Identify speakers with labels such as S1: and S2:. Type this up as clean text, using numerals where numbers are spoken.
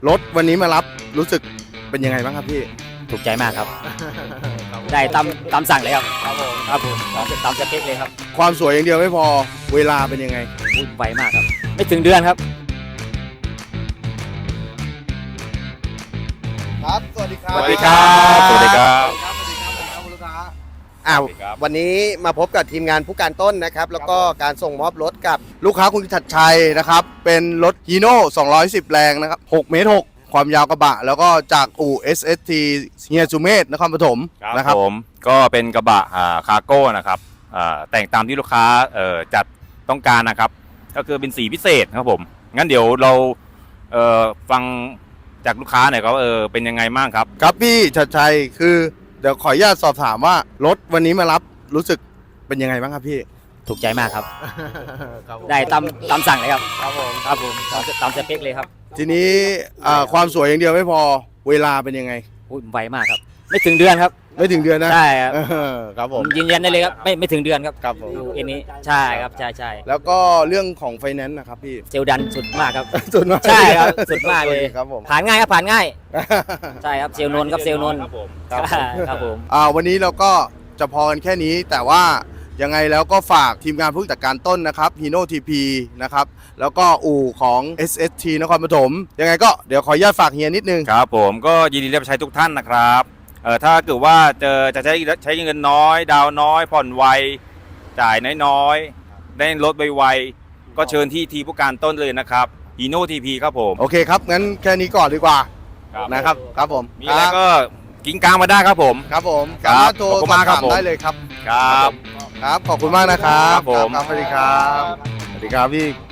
S1: รถวันนี้มารับรู้สึกเป็นยังไงบ้างครับพี่
S2: ถูกใจมากครับ ได้ตามสั่งเลยครับครับผมตามสเปคเลยครับ
S1: ความสวยอย่างเดียวไม่พอเวลาเป็นยังไง
S2: พูดไวมากครับ ไม่ถึงเดือนครับ
S1: ครับ สวัสดีครับ
S3: สวัสดีครับ
S1: สวัสดีครับ
S3: สวัสดีครับ
S1: สวัสดีครับคุณลูกค้า
S3: สวัสดีครับ
S1: วันนี้มาพบกับทีมงานผู้การต้นนะครับ แล้วก็การส่งมอบรถกับลูกค้าคุณชัดชัยนะครับ เป็นรถฮีโน่210 แรงนะครับ6 เมตร 6 ความยาวกระบะ แล้วก็จากอู่ SST เฮียจูเมศนครปฐมนะครับ
S3: ผมก็เป็นกระบะคาร์โก้นะครับแต่งตามที่ลูกค้าจัดต้องการนะครับ ก็คือเป็นสีพิเศษครับผม งั้นเดี๋ยวเราฟังจากลูกค้าหน่อยครับเป็นยังไงบ้างครับ
S1: ครับพี่ชัดชัยคือเดี๋ยวขออนุญาตสอบถามว่ารถวันนี้มารับรู้สึกเป็นยังไงบ้างครับพี่
S2: ถูกใจมากครับ
S1: ครับ
S2: ได้ตามสั่งเลยครับ
S1: ครับผม
S2: ครับผมตามสเปคเลยครับ
S1: ทีนี้ความสวยอย่างเดียวไม่พอเวลาเป็นยังไง
S2: พูดไวมากครับ ไม่ถึงเดือนครับ
S1: ไม่ถึงเดือนนะ
S2: ใช่ครับ
S1: ครับผม
S2: ยืนยันได้เลยครับ ไม่ถึงเดือนครับ
S1: ครับผม
S2: อันนี้ใช่ครับใช่
S1: แล้วก็เรื่องของไฟแนนซ์นะครับพี่
S2: เซลลดันสุดมากครับ
S1: สุดมาก
S2: ใช่ครับสุดมากเลย
S1: ครับผม
S2: ผ่านง่ายครับผ่านง่าย ใช่ครับเซลลนนท์ครับเซลลนนท์
S3: ครับผม
S2: ครับผม
S1: วันนี้เราก็จะพอกันแค่นี้แต่ว่ายังไงแล้วก็ฝากทีมงานผู้จัดการต้นนะครับ Hino TP นะครับแล้วก็อู่ของ SST นครปฐมยังไงก็เดี๋ยวขออนุญาตฝากเฮียนิดนึง
S3: ครับผมก็ยินดีรับใช้ทุกท่านนะครับถ้าเกิดว่าจะใช้เงินน้อย ดาวน้อย ผ่อนไว จ่ายน้อยๆได้รถไวๆก็เชิญที่ทีผู้การต้นเลยนะครับฮีโน่ทีพีครับผม
S1: โอเคครับ งั้นแค่นี้ก่อนดีกว่านะครับครับผม
S3: มีอะไรก็กิ้งกลางมาได้ครับผม
S1: ครับผม
S3: ครับ
S1: สามารถโทร
S3: ขอบคุณ
S1: สอบ
S3: มากครับ
S1: ถาม
S3: ผม
S1: ได้เลยครับ
S3: ครับ
S1: ครับขอบคุณมากนะครับ
S3: ครับผม
S1: สวัสดีครับสวัสดีครับพี่